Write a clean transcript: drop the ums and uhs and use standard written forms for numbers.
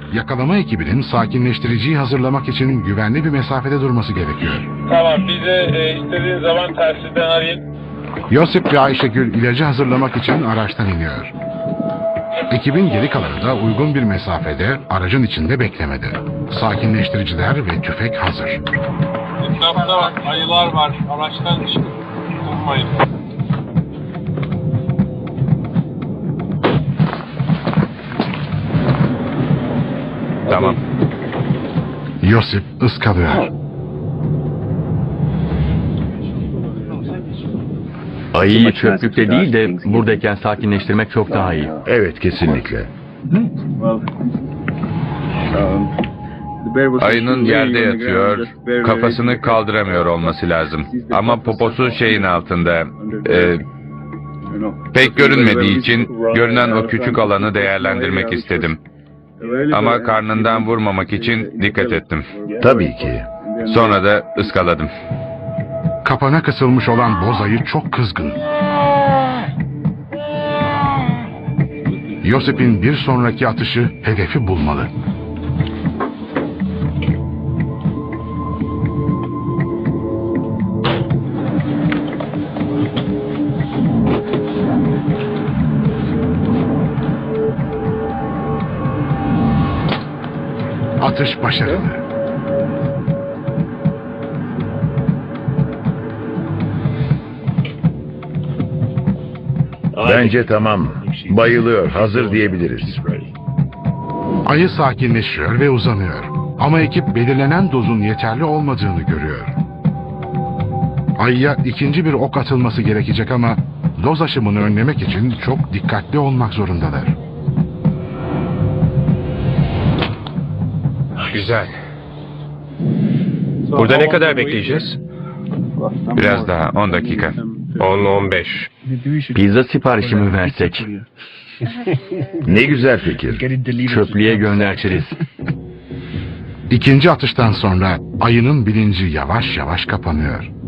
yakalama ekibinin sakinleştiriciyi hazırlamak için güvenli bir mesafede durması gerekiyor. Tamam, bize istediğin zaman telsizden arayın. Yosip ve Ayşegül ilacı hazırlamak için araçtan iniyor. Ekibin geri kalanı da uygun bir mesafede aracın içinde beklemedi. Sakinleştiriciler ve tüfek hazır. Etrafta ayılar var, araçtan çıkıp durmayın. Tamam. Yosip ıskalıyor. Ayıyı çöplükte değil de buradayken sakinleştirmek çok daha iyi. Evet, kesinlikle. Ayının yerde yatıyor, kafasını kaldıramıyor olması lazım. Ama poposu şeyin altında. Pek görünmediği için görünen o küçük alanı değerlendirmek istedim. Ama karnından vurmamak için dikkat ettim. Tabii ki. Sonra da ıskaladım. Kapana kısılmış olan boz ayı çok kızgın. Yosip'in bir sonraki atışı hedefi bulmalı. Atış başarılı. Bence tamam. Bayılıyor, hazır diyebiliriz. Ayı sakinleşiyor ve uzanıyor. Ama ekip belirlenen dozun yeterli olmadığını görüyor. Ayıya ikinci bir ok atılması gerekecek ama doz aşımını önlemek için çok dikkatli olmak zorundalar. Güzel. Burada ne kadar bekleyeceğiz? Biraz daha, 10 dakika. 10-15. Pizza siparişi mi versek? Ne güzel fikir. Çöplüğe gönderçeriz. İkinci atıştan sonra ayının bilinci yavaş yavaş kapanıyor.